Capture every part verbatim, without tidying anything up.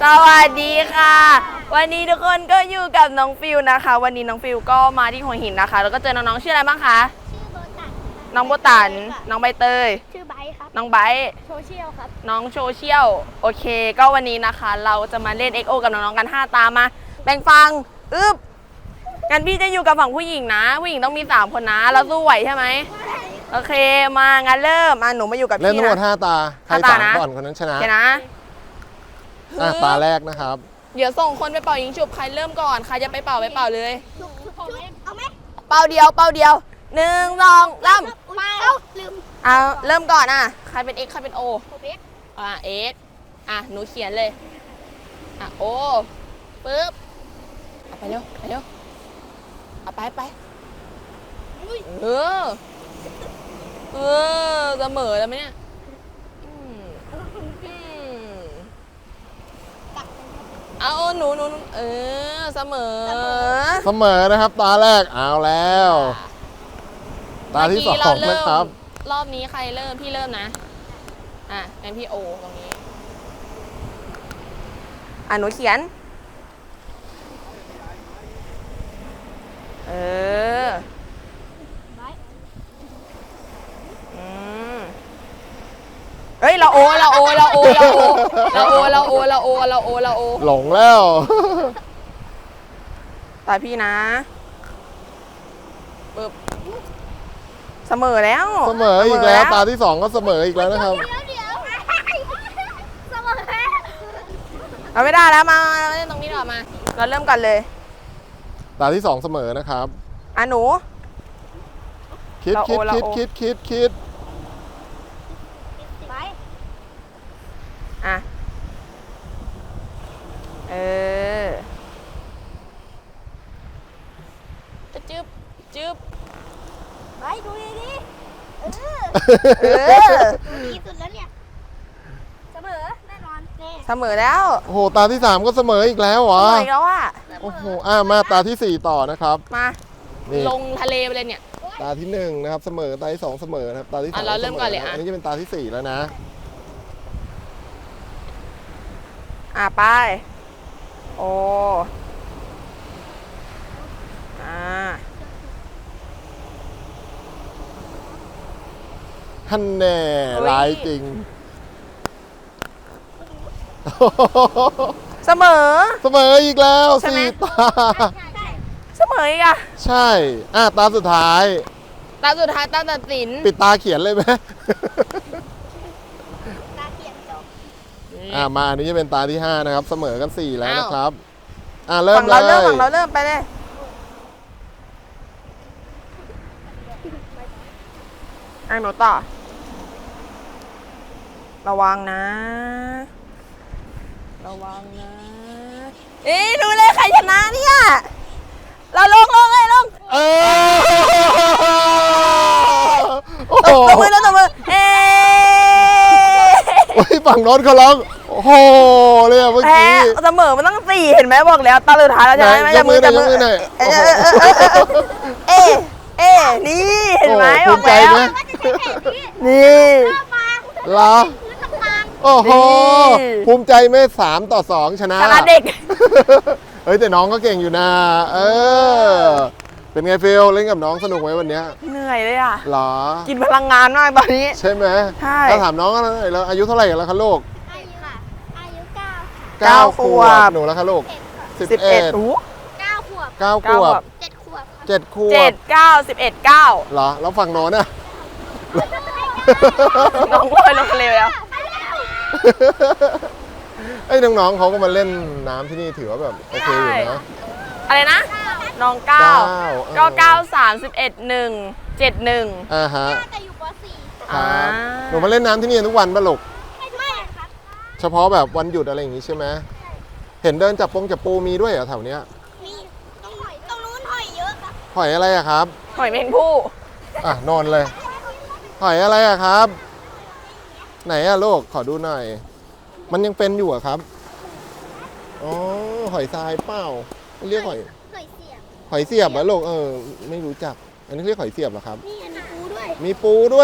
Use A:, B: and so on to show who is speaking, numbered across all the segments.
A: สวัสดีค่ะวันนี้ทุกคนก็อยู่กับน้องฟิวนะคะวันนี้น้องฟิวก็มาที่หัวหินนะคะแล้วก็เจอน้องๆชื่ออะไรบ้างคะ
B: ชื่อโบตัน
A: น้องโบตันน้องใบเตย
B: ชื่อไบค์ครับ
A: น้องไบค์
B: โซเชียลครับ
A: น้องโซเชียลโอเคก็วันนี้นะคะเราจะมาเล่น เอ็กซ์ โอ กับน้องๆกันห้าตามาแบ่งฟังอึ๊บงั้นพี่จะอยู่กับฝั่งผู้หญิงนะผู้หญิงต้องมีสามคนนะเราสู้ไหวใช่ไหมโอเคมางั้นเริ่มมาหนูมาอยู่กับพี่นะ
C: เล่นทั้งหมดห้าตาใครสามก่อนคนนั้นชนะ
A: โอเคนะ
C: อ่ะตาแรกนะครับ
A: เดี๋ยวส่งคนไปเป่ายิงฉุบใครเริ่มก่อนใครจะไปเป่าไปเป่าเลย
B: เอาไหม
A: เป่าเดียวเป่าเดียวหนึ่งสองเริ่ม
B: มาเอาลืม
A: เอาเริ่มก่อนอ่ะใครเป็น X ใครเป็น O
B: ผมเอ็ก
A: อ่ะ X อ่ะหนูเขียนเลยอ่ะ O ปึ๊บเอาไปเร็วไปเร็วเอาไปไปเออเออเสมอแล้วไหมเนี่ยเอาหนูหนูเออเสมอ
C: เสมอนะครับตาแรกเอาแล้วตาที่สองนะครับ
A: รอบนี้ใครเริ่มพี่เริ่มนะอ่ะงั้นพี่โอตรงนี้อ่ะหนูเขียนเอออืมเฮ้ยเราโอเราโอเราโอเราโอเราโอเราโอเราโอเราโอเราโอ
C: หลงแล้ว
A: ตาพี่นะปึ๊บเสมอแล้ว
C: เสมออีกแล้วตาที่สองก็เสมออีกแล้วนะครับ
B: เดี๋ยวเดี๋ยวเสมอ
A: เราไม่ได้แล้วมาเล่นตรงนี้หรอมาเราเริ่มกันเลย
C: ตาที่สองเสมอนะครับ
A: อ่ะหนู
C: คิดคิดคิดคิดคิดคิด
B: ไป
A: อ่ะเออจึ๊บจึ๊บ
B: ไปดูดีดิเออ
A: เออ
B: ดูดีสุดแล้วเนี่ยเสมอแน่นอนแน่
A: เสมอแล้ว
C: โอ้โหตาที่สามก็เสมออีกแล้วเหรอ
A: เสมออีกแล้วอ่ะ
C: โอ้โหอ่ะมาตาที่สี่ต่อนะครับ
A: มาลงทะเลไปเลยเนี่ย
C: ตาที่หนึ่งนะครับเสมอตาที่สองเสมอนะครับตาที่สาม
A: เราเริ่มก่อนเลยอ่ะ
C: อันนี้จะเป็นตาที่สี่แล้วนะ
A: อ่ะไปโออ่า
C: ท่านแน่ร้ายจริง
A: เสมอ
C: เสมออีกแล้วสี่ตา
A: เสมออีกอ่ะ
C: ใช่อ่ะตาสุดท้าย
A: ตาสุดท้ายตาตัดสิน
C: ปิดตาเขียนเลยไหม
B: ตาเขียนจบ
C: อ่ะมาอันนี้จะเป็นตาที่ห้านะครับเสมอกันสี่แล้วนะครับอ่ะเริ่ม
A: เลยฝั่งเราเริ่มฝั่งเราเริ่มไปเลยอ่ะหนูต่อระวังนะระวังนะเอ๊ะดูเลยใครชนะเนี่ยเราลงลงเลยลง
C: เออ
A: ตบมือแล้วตบมือเอ๊ะ
C: โอ้ยฝั่งโน้นเขาร้องโอ้โหเลยเมื่อกี้
A: เสมอมันต้องสี่เห็นไหมบอกแล้วตาสุดท้ายแล้วใช่ไหม
C: จับมือจับมือหน่อย
A: เอ๊ะเอ๊ะเอ๊ะนี่เห็นไหมบอกแล้วนี่
C: เหรอโอ้โหภูมิใจไหมสามต่อสองชนะ
A: ชนะเด็ก
C: เฮ้ยแต่น้องก็เก่งอยู่นะเออเป็นไงฟิลเล่นกับน้องสนุกไหมวันนี้
A: เหนื่อยเลยอ่ะ
C: หรอ
A: กินพลังงานมากตอนนี้
C: ใช่ไหม
A: ใช่
C: ถ้าถามน้องแล้วอายุเท่าไหร่กันแล้วคะลูก
B: อายุค่ะอายุเก้า
C: เก้าขวบหนูแล้วคะลูก
A: สิบเอ็ด
B: เก้าขวบ
C: เก้าขวบ
B: เจ็ดขวบ
C: เจ็ดขวบ
A: เจ็ดเก้าสิบเอ็ดเก้า
C: เหรอแล้วฝั่งโน้นอ่ะ
A: น้องลอยลงทะเลแล้ว
C: ไอ้น้องๆเขาก็มาเล่นน้ำที่นี่ถือว่าแบบโอเคอยู่นะ
A: อะไรนะน้องเก้าเก้าเก้าสามสิบเอ็ดหนึ่งเจ็ดหนึ่ง
C: อ่าฮะ
B: แต่อยู่ป.สี่
C: ครับหนูมาเล่นน้ำที่นี่ทุกวันป่ะลูก
B: ไม่ครับ
C: เฉพาะแบบวันหยุดอะไรอย่างงี้ใช่ไหมเห็นเดินจับปงจับปูมีด้วยเหรอแถวเนี้ย
B: มีตรงหอยตรงนู้นหอยเยอะครับ
C: หอยอะไรอะครับ
A: หอยแมงผู้
C: อ่ะนอนเลยหอยอะไรอะครับไหนอะลูกขอดูหน่อยมันยังเป็นอยู่อะครับอ๋อหอยทรายเปล่าเรียกหอย
B: หอยเสียบ
C: หอยเสียบเหรอลูกเออไม่รู้จักอันนี้เรียกหอยเสียบเหรอครับ
B: นี่มีปูด้วย
C: มีปูด้วย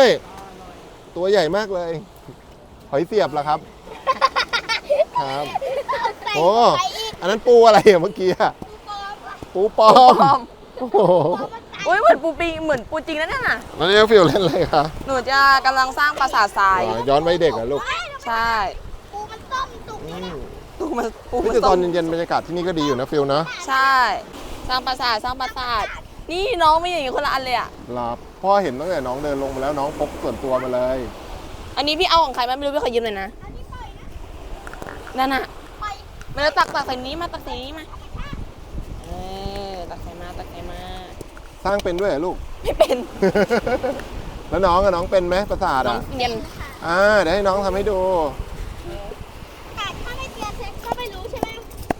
C: ตัวใหญ่มากเลยหอยเสียบเหรอครับครับ
B: ใส่
C: โอ้
B: ไปอีก
C: อันนั้นปูอะไรอะเมื่อกี้อะ
B: ปูปลอมอะ
C: ปูปลอม
A: ปลอม
C: โอ้โห
A: อุ้ยเหมือนปูปิงเหมือนปูจริงนะเนี่ยน่ะ
C: แล้วนี่ฟิลเล่นอะไรคะ
A: หนูจะกำลังสร้างปราสาททราย
C: อ๋อย้อนไว้เด็กเหรอลูก
A: ใช่
B: ปูมันต้มสุก
C: อื
B: เลยนะ
C: ม
A: ปูมาปู
C: เฮ้ย
A: มา
C: แต่ต
A: ต้
C: อ
A: ม
C: นเย็นๆบรรยากาศที่นี่ก็ดีอยู่นะฟิลนะ
A: ใช่ สร้างปราสาทสร้างปราสาทนี่น้องไม่อย่างนี้คนละอันเลยอ่ะ
C: หลับพ่อเห็นตั้งแต่น้องเดินลงมาแล้วน้องพกส่วนตัวมาเลย
A: อันนี้พี่เอาของใครมาไม่รู้พี่ขอยืมหน่อยนะ
B: อันนี้ปล่อยนะ
A: นั่นน่ะ
B: ปล่อย
A: มาแล้วตักตักใส่นี้มาตักใส่นี้มาเออตักใส่มาตักใส่มา
C: สร้างเป็นด้วยเหรอลูก
A: ไม่เป็น
C: แล้วน้องกับน้องเป็นไหมประสาท
A: น้อง
C: อ่ะ
A: เรียน
C: อ่าเดี๋ยวให้น้องทำให้ดู
B: แต่ถ้าไม่เตียนเซ็กก็ไม่รู้ใช่ไหม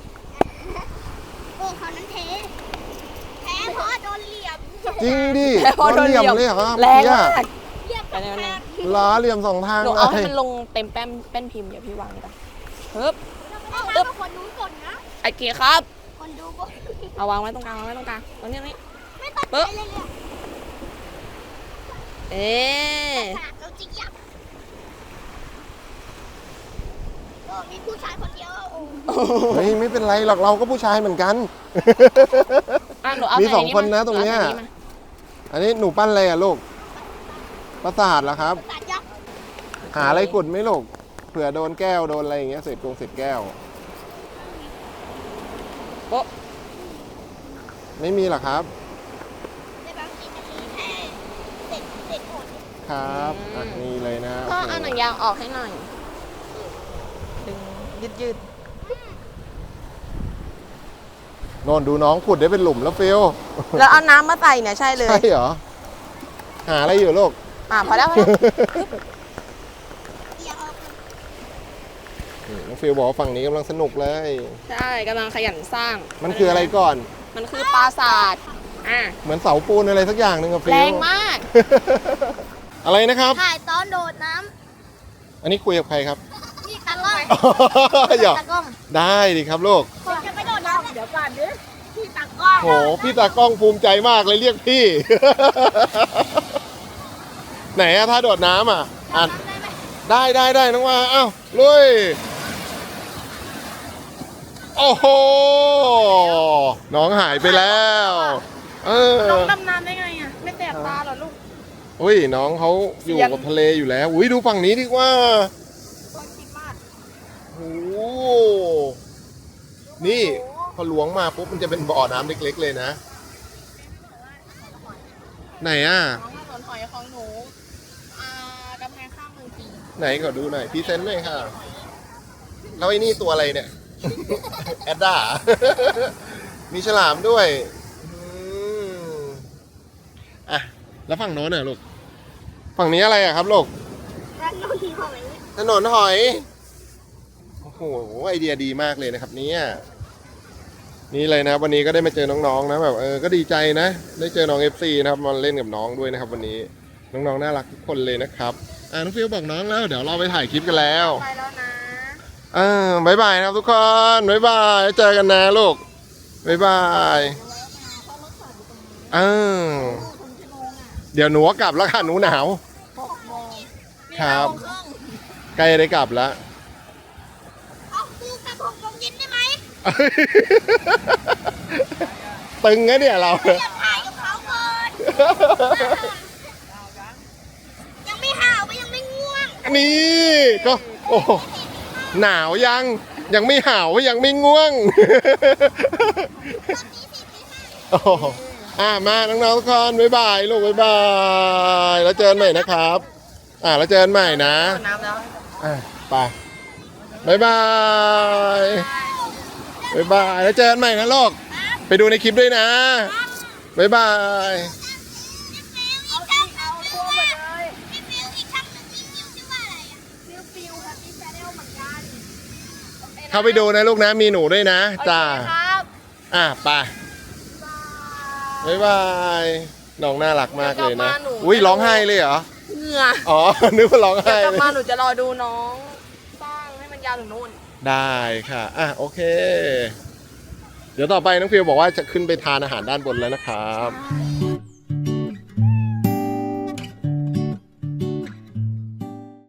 B: โอ้เขานั้นเทแพ้เพราะโดนเหลี่ยม
C: จริงดิ
A: แต่พอโดนเหลี่ยม
C: เลยเหรอครับ
A: แรง
C: เนี่ย
A: มาก
B: เหลี่ยมกับแพ้
C: ล้อเหลี่ยมสองทาง
A: หนู
C: เล
A: เอาให้
C: ย
A: มันลงเต็มแป้นแป้นพิมพ์เดี๋ยวพี่วางกันฮึบ
B: เราไม่ได้ทำกับคนนู้นก่อนนะ
A: ไอเกียร์ครับ
B: คนดูก่อน
A: เอาวางไว้ตรงกลางวางไว้ตรงกลางตรงนี้ตรงนี้
B: ไม่ตัดใจเลยเลย
A: เอ๊ะ
B: ขนาดเราจริงยับโอ้มีผู้ชายคนเดียวโอ้
C: เฮ้ยไม่เป็นไรหรอกเราก็ผู้ชายเหมือนกัน
A: อ่ะหนูเอา
C: มี
A: ใ
C: สองคนนะตรงเนี้ย
A: หอาใส่มา
C: อันนี้หนูปั้นอะไรอ่ะลูกประสาทเหรอครับ
B: ตัดยับ
C: หาอะไรขุดไหมลูกเผื่อโดนแก้วโดนอะไรอย่างเงี้ยเศษกงเศษแก้ว
A: โป๊ะ
C: ไม่มีหรอครับ
B: ในบางทีจะมีแค่เด็กเด็กหมด
C: ครับอ่ะนี่เลยนะ
A: พ่อ
C: โโ
A: เอาหนังยางออกให้หน่อยดึงยืดยืด
C: โน่นดูน้องขุดได้เป็นหลุมแล้วฟิล
A: ๆแล้วเอาน้ำมาใส่เนี่ยใช่เลย
C: ใช่เหรอหาอะไรอยู่ลูก
A: อ่ะพอแล้วพอแล้ว
B: เอียงออก
C: นี่น้องฟิลบอกว่าฝั่งนี้กำลังสนุกเลย
A: ใช่กำลังขยันสร้าง
C: มันคืออะไรก่อน
A: มันคือปราสาทอ่ะ
C: เหมือนเสาปูนอะไรสักอย่างหนึ่งอะฟิล
A: แรงมาก
C: อะไรนะครับ
B: ถ่ายตอนโดดน้
C: อันนี้คุยกับใครครับ
B: ำนี่ตากล้อง
C: หยอก
B: ตากล้อง
C: ได้ดิครับลูก
B: ผมจะไปโดดน้ำเดี๋ยวก่อนดิพี่ตากล้อง
C: โหพี่ตากล้องภูมิใจมากเลยเรียกพี่ ไหนอะถ้าโดดน้ำอะอ่ะ
B: ได้ไหม
C: ได้ได้ได้น้องว่าอ้าวลุยโอ้โหน้องหายไปแล้วเออ
A: น้องดำน้ำได้ไงอ่ะ ไม่แสบตาเหรอลูก
C: อุ้ยน้องเขาอยู่
A: เสียง
C: กับทะเลอยู่แล้วอุ้ยดูฝั่งนี้ดีกว่า
A: คนคิดมาก
C: โอ้โหนี่พอหลวงมาปุ๊บมันจะเป็นบ่อน้ำเล็กๆเลยนะ ไหนอ่ะ
A: น้องถนนหอยของหนูอ่ากำแพงข้ามเมืองจีน
C: ไหนขอดูหน่อยพรีเซนต์หน่อยค่ะแล้วไอ้นี่ตัวอะไรเนี่ย แอดด้า มีฉลามด้วยอืมอ่ะแล้วฝั่งโน้นเนี่ยลูกฝั่งนี้อะไรอะครับลูก
B: แล้วโดนหอย
C: ถนนหอยโอ้โหไอเดียดีมากเลยนะครับเนี่ยนี่เลยนะวันนี้ก็ได้มาเจอน้องๆนะแบบเออก็ดีใจนะ ได้เจอน้อง เอฟ ซี นะครับมาเล่นกับน้องด้วยนะครับ วันนี้น้องๆน่ารักทุกคนเลยนะครับอ่าน้องฟิวบอกน้องแล้วเดี๋ยวเราไปถ่ายคลิปกันแล้ว
A: ไปแล้วนะ
C: อ่าบายบายนะครับทุกคนบายบายเจอกันนะลูกบายบายเออเดี๋ยวหนูก็กลับแล้วค่ะหนูหนาวครับใกล้ได้กลับแล้ว
B: เอาปูกระผมลงเย็นได้ไหม
C: ตึงนะเนี่ยเรา
B: เรียกถ่ายกับเขาก่อนยังไม่ห่าวไปยังไม่ง่วง
C: นี่ก็โอ้หนาวยังยังไม่ห่าวยังไม่ง่วง โอ้อ่ามาน้องๆทุกคนบ๊ายบายลูกบ๊ายบายแล้วเจอกันใหม่นะครับ อ่าแล้วเจอกันใหม่นะ
A: น้ำแล้ว
C: อ่ะไปบ๊ายบายบ๊ายบายแล้วเจอกันใหม่นะลูกไปดูในคลิปด้วยนะบ๊ายบาย
B: เอาช่างเอาตัวหมดเลยพี่ฟิวอีกช่างหนึ่งพี่ฟิวชื่อว่าอะไรอ่ะฟิวฟิวครับพี่แชนแนลเหมือนกัน
C: เข้าไปดูนะลูกนะมีหนูด้วยนะจ้า
B: ครับ
C: อ่ะไปบ๊ายบายน้องน่ารักมากเลยนะอุ้ยร้องไห้เลยเหรอ
A: เหงื่อ
C: อ๋อ นึกว่าร้อง
A: เดี๋ย
C: ไห้
A: วกลับ
C: เลย
A: มาหนูจะรอดูน้องสร้างให้มันยาวถึงนู่น
C: ได้ค่ะ อ่ะ โอเค เดี๋ยวต่อไปน้องฟิวบอกว่าจะขึ้นไปทานอาหารด้านบนแล้วนะครับ
A: ใช่